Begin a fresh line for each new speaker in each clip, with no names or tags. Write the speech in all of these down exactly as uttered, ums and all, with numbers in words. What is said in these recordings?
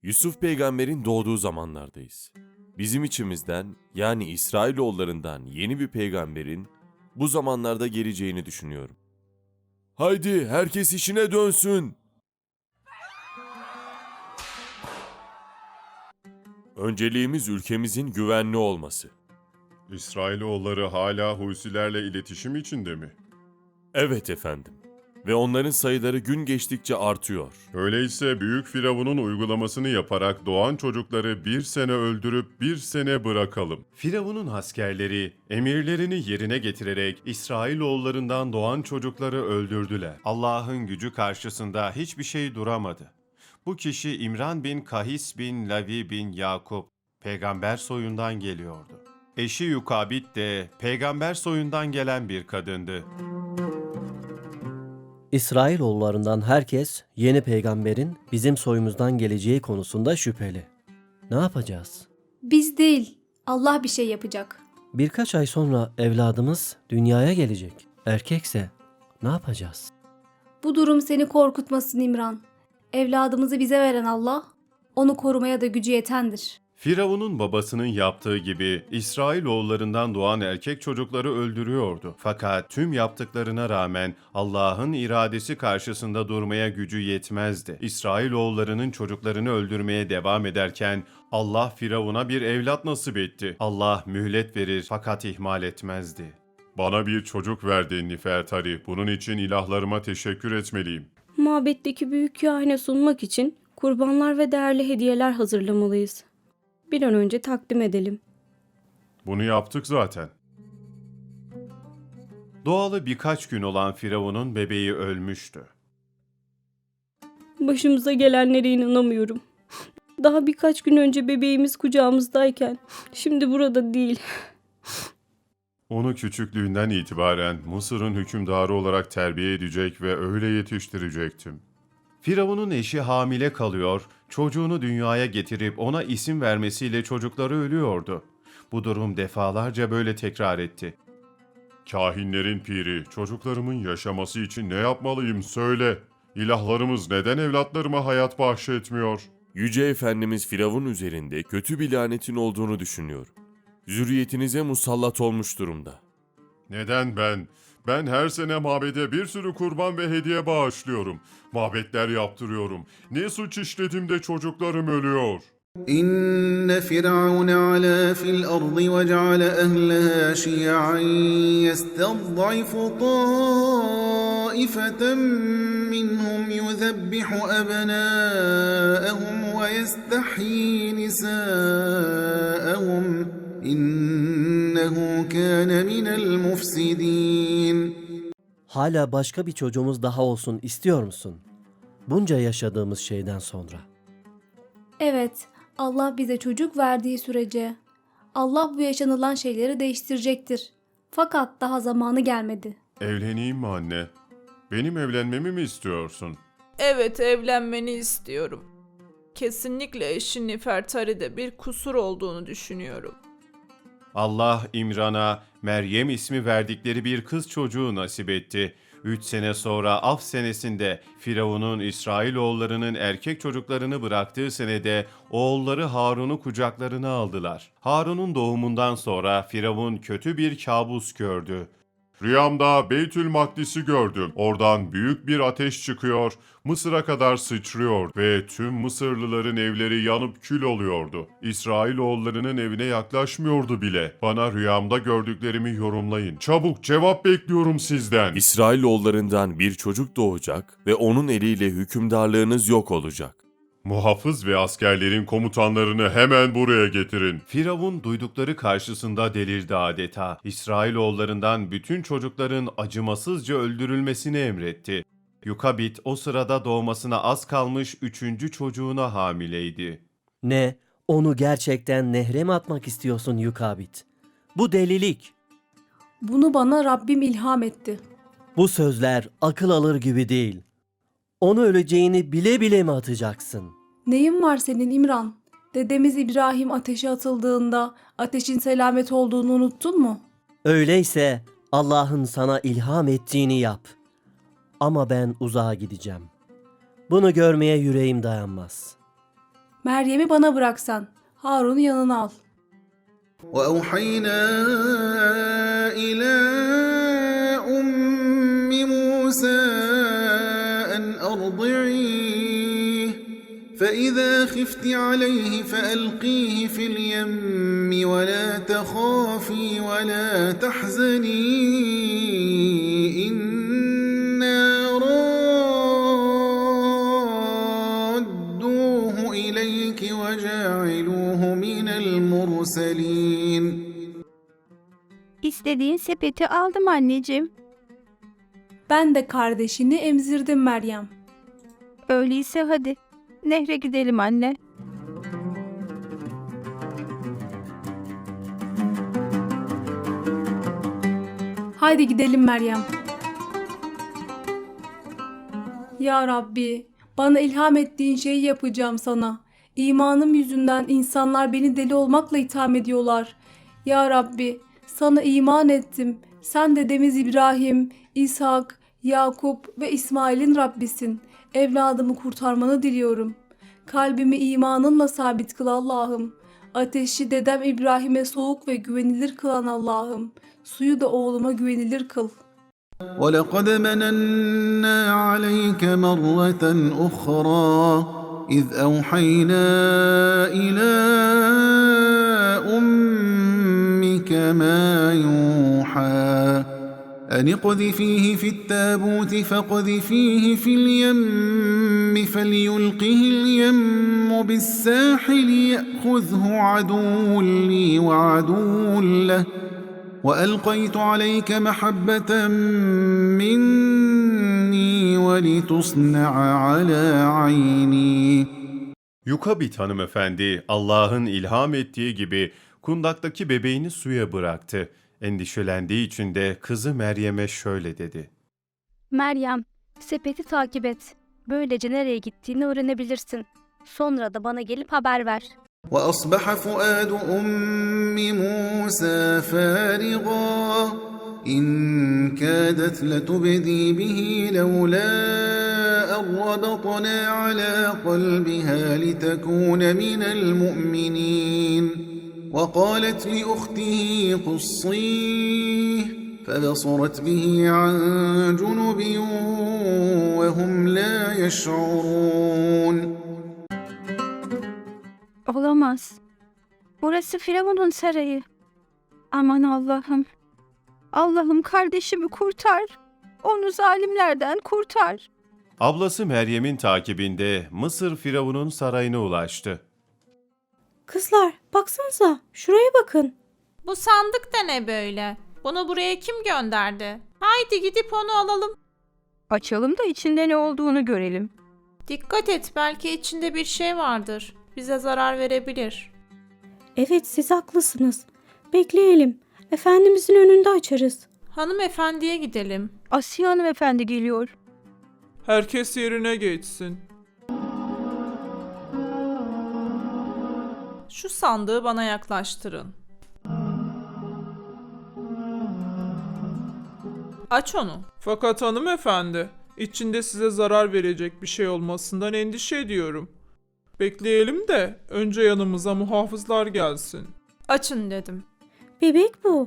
Yusuf peygamberin doğduğu zamanlardayız. Bizim içimizden yani İsrailoğullarından yeni bir peygamberin bu zamanlarda geleceğini düşünüyorum. Haydi herkes işine dönsün. Önceliğimiz ülkemizin güvenli olması.
İsrailoğulları hala Husilerle iletişim içinde mi?
Evet efendim. Ve onların sayıları gün geçtikçe artıyor.
Öyleyse Büyük Firavun'un uygulamasını yaparak doğan çocukları bir sene öldürüp bir sene bırakalım. Firavun'un askerleri emirlerini yerine getirerek İsrailoğullarından doğan çocukları öldürdüler. Allah'ın gücü karşısında hiçbir şey duramadı. Bu kişi İmran bin Kahis bin Lavi bin Yakup, peygamber soyundan geliyordu. Eşi Yukabit de peygamber soyundan gelen bir kadındı.
İsrailoğullarından herkes yeni peygamberin bizim soyumuzdan geleceği konusunda şüpheli. Ne yapacağız?
Biz değil, Allah bir şey yapacak.
Birkaç ay sonra evladımız dünyaya gelecek. Erkekse ne yapacağız?
Bu durum seni korkutmasın İmran. Evladımızı bize veren Allah, onu korumaya da gücü yetendir.
Firavun'un babasının yaptığı gibi İsrailoğullarından doğan erkek çocukları öldürüyordu. Fakat tüm yaptıklarına rağmen Allah'ın iradesi karşısında durmaya gücü yetmezdi. İsrailoğullarının çocuklarını öldürmeye devam ederken Allah Firavun'a bir evlat nasip etti. Allah mühlet verir fakat ihmal etmezdi. Bana bir çocuk verdi Nifertari. Bunun için ilahlarıma teşekkür etmeliyim.
Mabetteki büyük kahine sunmak için kurbanlar ve değerli hediyeler hazırlamalıyız. Bir an önce takdim edelim.
Bunu yaptık zaten. Doğalı birkaç gün olan Firavun'un bebeği ölmüştü.
Başımıza gelenlere inanamıyorum. Daha birkaç gün önce bebeğimiz kucağımızdayken şimdi burada değil.
Onu küçüklüğünden itibaren Mısır'ın hükümdarı olarak terbiye edecek ve öyle yetiştirecektim. Firavun'un eşi hamile kalıyor, çocuğunu dünyaya getirip ona isim vermesiyle çocukları ölüyordu. Bu durum defalarca böyle tekrar etti. Kahinlerin piri, çocuklarımın yaşaması için ne yapmalıyım söyle. İlahlarımız neden evlatlarıma hayat bahşetmiyor?
Yüce Efendimiz Firavun üzerinde kötü bir lanetin olduğunu düşünüyor. Zürriyetinize musallat olmuş durumda.
Neden ben? Ben her sene mabede bir sürü kurban ve hediye bağışlıyorum. Mabetler yaptırıyorum. Ne suç işledim de çocuklarım ölüyor?
إن فرعون علا في الأرض وجعل أهلها شيعا يستضعف طائفة منهم يذبح أبناءهم ويستحيي نساءهم إنه كان من المفسدين.
Hala başka bir çocuğumuz daha olsun istiyor musun? Bunca yaşadığımız şeyden sonra.
Evet, Allah bize çocuk verdiği sürece Allah bu yaşanılan şeyleri değiştirecektir. Fakat daha zamanı gelmedi.
Evleneyim mi anne? Benim evlenmemi mi istiyorsun?
Evet, evlenmeni istiyorum. Kesinlikle eşin Nifertari'de bir kusur olduğunu düşünüyorum.
Allah İmran'a Meryem ismi verdikleri bir kız çocuğu nasip etti. Üç sene sonra af senesinde Firavun'un İsrailoğullarının erkek çocuklarını bıraktığı senede oğulları Harun'u kucaklarına aldılar. Harun'un doğumundan sonra Firavun kötü bir kabus gördü. Rüyamda Beytül Makdis'i gördüm. Oradan büyük bir ateş çıkıyor, Mısır'a kadar sıçrıyor ve tüm Mısırlıların evleri yanıp kül oluyordu. İsrailoğullarının evine yaklaşmıyordu bile. Bana rüyamda gördüklerimi yorumlayın. Çabuk cevap bekliyorum sizden.
İsrailoğullarından bir çocuk doğacak ve onun eliyle hükümdarlığınız yok olacak.
Muhafız ve askerlerin komutanlarını hemen buraya getirin. Firavun duydukları karşısında delirdi adeta. İsrailoğullarından bütün çocukların acımasızca öldürülmesini emretti. Yukabit o sırada doğmasına az kalmış üçüncü çocuğuna hamileydi.
Ne? Onu gerçekten nehre mi atmak istiyorsun Yukabit? Bu delilik.
Bunu bana Rabbim ilham etti.
Bu sözler akıl alır gibi değil. Onu öleceğini bile bile mi atacaksın?
Neyin var senin İmran? Dedemiz İbrahim ateşe atıldığında ateşin selamet olduğunu unuttun mu?
Öyleyse Allah'ın sana ilham ettiğini yap. Ama ben uzağa gideceğim. Bunu görmeye yüreğim dayanmaz.
Meryem'i bana bıraksan. Harun'u yanına al.
وأوحينا إلى أم موسى أن أرضعيه فإذا خفت عليه فألقيه في اليم ولا تخافي ولا تحزني إنا رادوه إليك وجاعلوه من المرسلين.
İstediğin sepeti aldım anneciğim.
Ben de kardeşini emzirdim Meryem.
Öyleyse hadi nehre gidelim anne.
Haydi gidelim Meryem. Ya Rabbi, bana ilham ettiğin şeyi yapacağım sana. İmanım yüzünden insanlar beni deli olmakla itham ediyorlar. Ya Rabbi, sana iman ettim. Sen dedemiz İbrahim, İshak, Yakup ve İsmail'in Rabbisin. Evladımı kurtarmanı diliyorum. Kalbimi imanınla sabit kıl Allah'ım. Ateşi dedem İbrahim'e soğuk ve güvenilir kılan Allah'ım. Suyu da oğluma güvenilir kıl.
وَلَقَدْ مَنَنَّا عَلَيْكَ مَرَّةً أُخْرَى إِذْ أَوْحَيْنَا إِلَى أُمِّكَ مَا يُوحَى أَنِ اقْذِفِيهِ فِي التَّابُوتِ فَاقْذِفِيهِ فِي الْيَمِّ فَلْيُلْقِهِ الْيَمُّ بِالسَّاحِلِ يَأْخُذْهُ عَدُوٌّ لِّي وَعَدُوٌّ لَّهُ وَأَلْقَيْتُ عَلَيْكَ مَحَبَّةً مِّنِّي وَلِتُصْنَعَ عَلَى عَيْنِي.
Yukabit hanımefendi Allah'ın ilham ettiği gibi kundaktaki bebeğini suya bıraktı. Endişelendiği için de kızı Meryem'e şöyle dedi.
Meryem, sepeti takip et. Böylece nereye gittiğini öğrenebilirsin. Sonra da bana gelip haber ver.
وَأَصْبَحَ فُؤَادُ أُمِّ مُوسَى فَارِغًا إِنْ كَادَتْ لَتُبْدِي بِهِ لَوْلَا أَنْ رَبَطْنَا عَلَى قَلْبِهَا لِتَكُونَ مِنَ الْمُؤْمِنِينَ وَقَالَتْ لِأُخْتِهِ قُصِّيهِ فَبَصُرَتْ بِهِ عَنْ جُنُبٍ وَهُمْ لَا يَشْعُرُونَ.
Olamaz. Burası Firavun'un sarayı. Aman Allah'ım. Allah'ım kardeşimi kurtar. Onu zalimlerden kurtar.
Ablası Meryem'in takibinde Mısır Firavun'un sarayına ulaştı.
Kızlar baksanıza şuraya bakın.
Bu sandık da ne böyle? Bunu buraya kim gönderdi? Haydi gidip onu alalım.
Açalım da içinde ne olduğunu görelim.
Dikkat et, belki içinde bir şey vardır. Bize zarar verebilir.
Evet siz haklısınız. Bekleyelim. Efendimizin önünde açarız.
Hanımefendiye gidelim.
Asiye hanımefendi geliyor.
Herkes yerine geçsin.
Şu sandığı bana yaklaştırın. Aç onu.
Fakat hanımefendi, içinde size zarar verecek bir şey olmasından endişe ediyorum. Bekleyelim de önce yanımıza muhafızlar gelsin.
Açın dedim.
Bebek bu.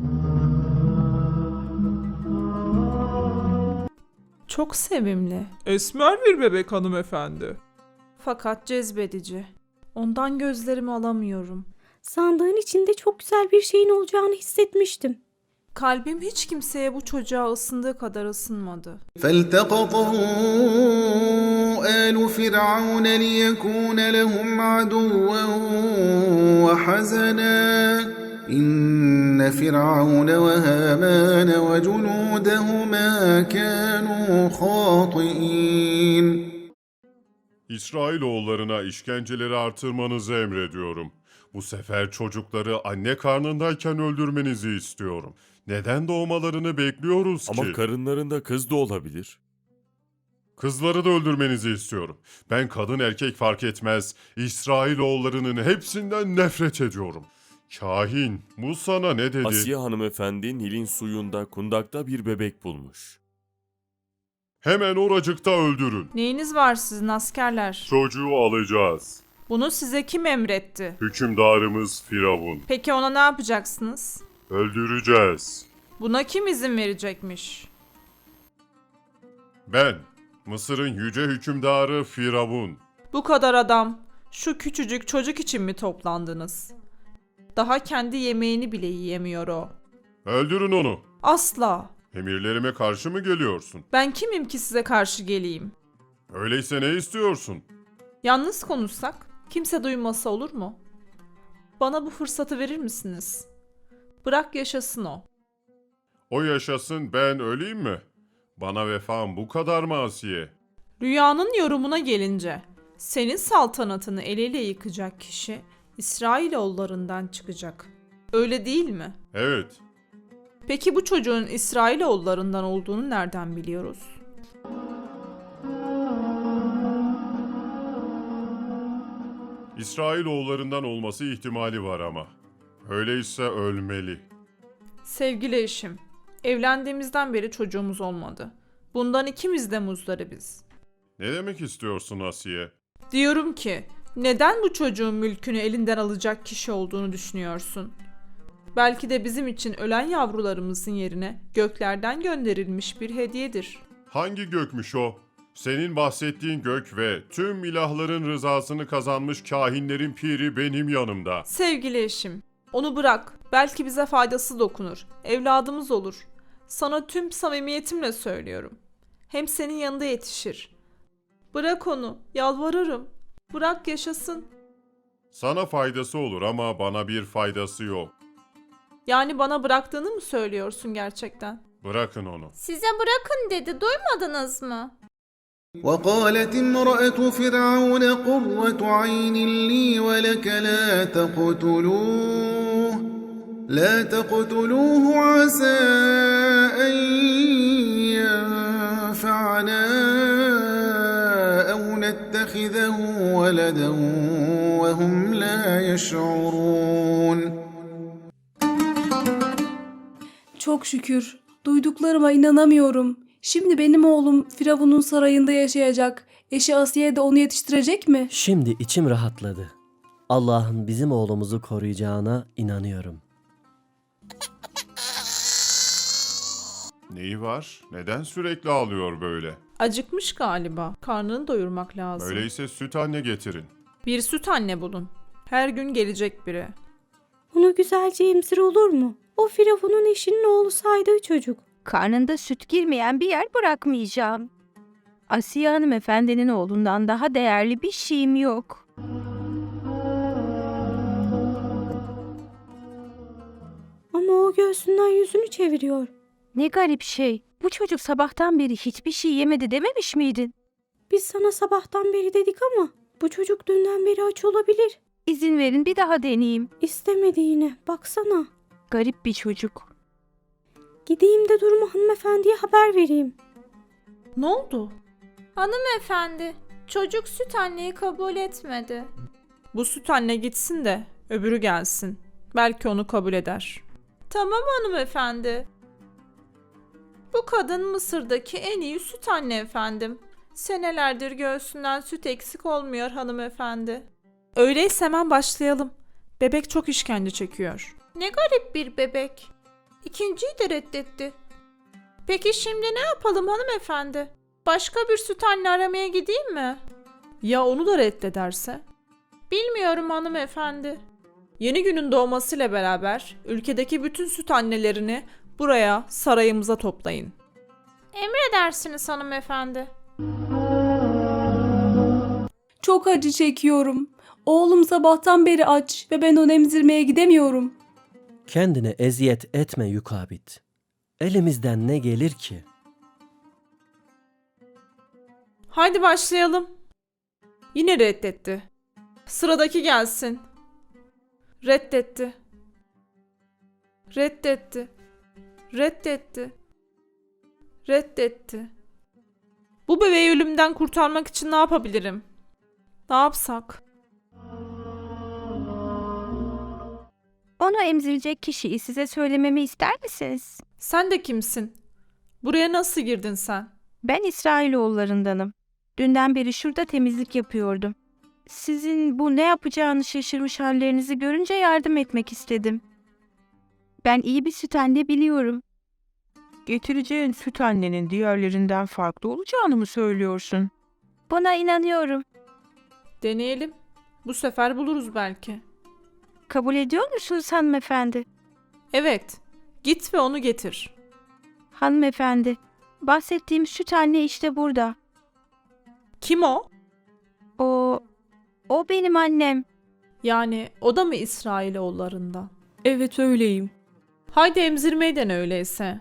Çok sevimli.
Esmer bir bebek hanımefendi.
Fakat cezbedici. Ondan gözlerimi alamıyorum.
Sandığın içinde çok güzel bir şeyin olacağını hissetmiştim.
Kalbim hiç kimseye bu çocuğa ısındığı kadar ısınmadı.
فَالْتَقَطَهُ آلُ فِرْعَوْنَ لِيَكُونَ لَهُمْ عَدُوًّا وَحَزَنًا إِنَّ فِرْعَوْنَ وَهَامَانَ وَجُنُودَهُمَا كَانُوا خَاطِئِينَ.
İsrailoğullarına işkenceleri artırmanızı emrediyorum. Bu sefer çocukları anne karnındayken öldürmenizi istiyorum. Neden doğmalarını bekliyoruz ki?
Ama karınlarında kız da olabilir.
Kızları da öldürmenizi istiyorum. Ben kadın erkek fark etmez. İsrailoğullarının hepsinden nefret ediyorum. Kahin, bu sana ne dedi?
Asiye hanımefendi Nil'in suyunda kundakta bir bebek bulmuş.
Hemen oracıkta öldürün.
Neyiniz var sizin askerler?
Çocuğu alacağız.
Bunu size kim emretti?
Hükümdarımız Firavun.
Peki ona ne yapacaksınız?
Öldüreceğiz.
Buna kim izin verecekmiş?
Ben, Mısır'ın yüce hükümdarı Firavun.
Bu kadar adam, şu küçücük çocuk için mi toplandınız? Daha kendi yemeğini bile yiyemiyor o.
Öldürün onu.
Asla.
Emirlerime karşı mı geliyorsun?
Ben kimim ki size karşı geleyim?
Öyleyse ne istiyorsun?
Yalnız konuşsak, kimse duymasa olur mu? Bana bu fırsatı verir misiniz? Bırak yaşasın o.
O yaşasın, ben öleyim mi? Bana vefam bu kadar mı Asiye?
Rüyanın yorumuna gelince, senin saltanatını eliyle yıkacak kişi İsrailoğullarından çıkacak. Öyle değil mi?
Evet.
Peki bu çocuğun İsrailoğullarından olduğunu nereden biliyoruz?
İsrailoğullarından olması ihtimali var ama. Öyleyse ölmeli.
Sevgili eşim, evlendiğimizden beri çocuğumuz olmadı. Bundan ikimiz de muzdaribiz.
Ne demek istiyorsun Asiye?
Diyorum ki, neden bu çocuğun mülkünü elinden alacak kişi olduğunu düşünüyorsun? Belki de bizim için ölen yavrularımızın yerine göklerden gönderilmiş bir hediyedir.
Hangi gökmüş o? Senin bahsettiğin gök ve tüm ilahların rızasını kazanmış kahinlerin piri benim yanımda.
Sevgili eşim, onu bırak. Belki bize faydası dokunur. Evladımız olur. Sana tüm samimiyetimle söylüyorum. Hem senin yanında yetişir. Bırak onu, yalvarırım. Bırak yaşasın.
Sana faydası olur ama bana bir faydası yok.
Yani bana bıraktığını mı söylüyorsun gerçekten?
Bırakın onu.
Size bırakın dedi, duymadınız mı?
وقالت امرأة فرعون قرة عين لي ولك لا تقتلوه لا تقتلوه عسى أن ينفعنا أو نتخذه ولدا وهم لا يشعرون.
Çok şükür. Duyduklarıma inanamıyorum. Şimdi benim oğlum Firavun'un sarayında yaşayacak. Eşi Asiye de onu yetiştirecek mi?
Şimdi içim rahatladı. Allah'ın bizim oğlumuzu koruyacağına inanıyorum.
Neyi var? Neden sürekli ağlıyor böyle?
Acıkmış galiba. Karnını doyurmak lazım.
Öyleyse süt anne getirin.
Bir süt anne bulun. Her gün gelecek biri.
Onu güzelce emzir olur mu? O Firavun'un eşinin oğlu saydığı çocuk.
Karnında süt girmeyen bir yer bırakmayacağım. Asiye hanımefendinin oğlundan daha değerli bir şeyim yok.
Ama o göğsünden yüzünü çeviriyor.
Ne garip şey. Bu çocuk sabahtan beri hiçbir şey yemedi dememiş miydin?
Biz sana sabahtan beri dedik ama bu çocuk dünden beri aç olabilir.
İzin verin bir daha deneyeyim.
İstemedi yine. Baksana.
Garip bir çocuk.
Gideyim de durumu hanımefendiye haber vereyim.
Ne oldu? Hanımefendi, çocuk süt anneyi kabul etmedi. Bu süt anne gitsin de öbürü gelsin. Belki onu kabul eder. Tamam hanımefendi. Bu kadın Mısır'daki en iyi süt anne efendim. Senelerdir göğsünden süt eksik olmuyor hanımefendi. Öyleyse hemen başlayalım. Bebek çok işkence çekiyor. Ne garip bir bebek. İkinciyi de reddetti. Peki şimdi ne yapalım hanımefendi? Başka bir süt anne aramaya gideyim mi? Ya onu da reddederse? Bilmiyorum hanımefendi. Yeni günün doğmasıyla beraber ülkedeki bütün süt annelerini buraya, sarayımıza toplayın. Emredersiniz hanımefendi.
Çok acı çekiyorum. Oğlum sabahtan beri aç ve ben onu emzirmeye gidemiyorum.
Kendine eziyet etme Yukabit. Elimizden ne gelir ki?
Haydi başlayalım. Yine reddetti. Sıradaki gelsin. Reddetti. Reddetti. Reddetti. Reddetti. Bu bebeği ölümden kurtarmak için ne yapabilirim? Ne yapsak?
Onu emzirecek kişiyi size söylememi ister misiniz?
Sen de kimsin? Buraya nasıl girdin sen?
Ben İsrailoğullarındanım. Dünden beri şurada temizlik yapıyordum. Sizin bu ne yapacağını şaşırmış hallerinizi görünce yardım etmek istedim. Ben iyi bir süt anne biliyorum.
Getireceğin süt annenin diğerlerinden farklı olacağını mı söylüyorsun?
Buna inanıyorum.
Deneyelim. Bu sefer buluruz belki.
Kabul ediyor musunuz hanımefendi?
Evet. Git ve onu getir.
Hanımefendi, bahsettiğim süt anne işte burada.
Kim o?
O, o benim annem.
Yani o da mı İsrailoğullarından?
Evet öyleyim.
Haydi emzirmeyi dene öyleyse.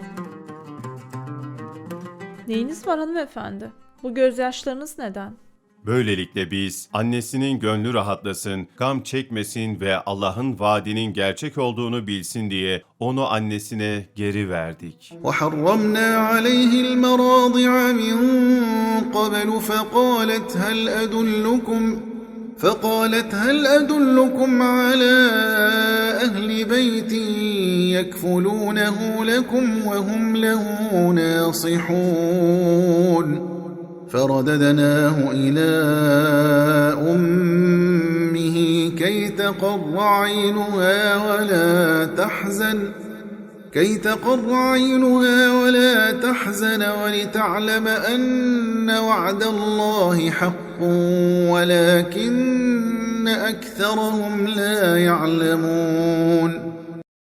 Neyiniz var hanımefendi? Bu gözyaşlarınız neden?
Böylelikle biz annesinin gönlü rahatlasın, gam çekmesin ve Allah'ın vaadinin gerçek olduğunu bilsin diye onu annesine geri verdik.
وحرمنا عليه المراضع من قبل فقالت هل أدلكم فقالت هل أدلكم على أهل بيت يكفلونه لكم وهم له ناصحون فرددناه إلى أمه كي تقر عينها ولا تحزن كي تقر عينها ولا تحزن ولتعلم أن وعد الله حق ولكن أكثرهم لا يعلمون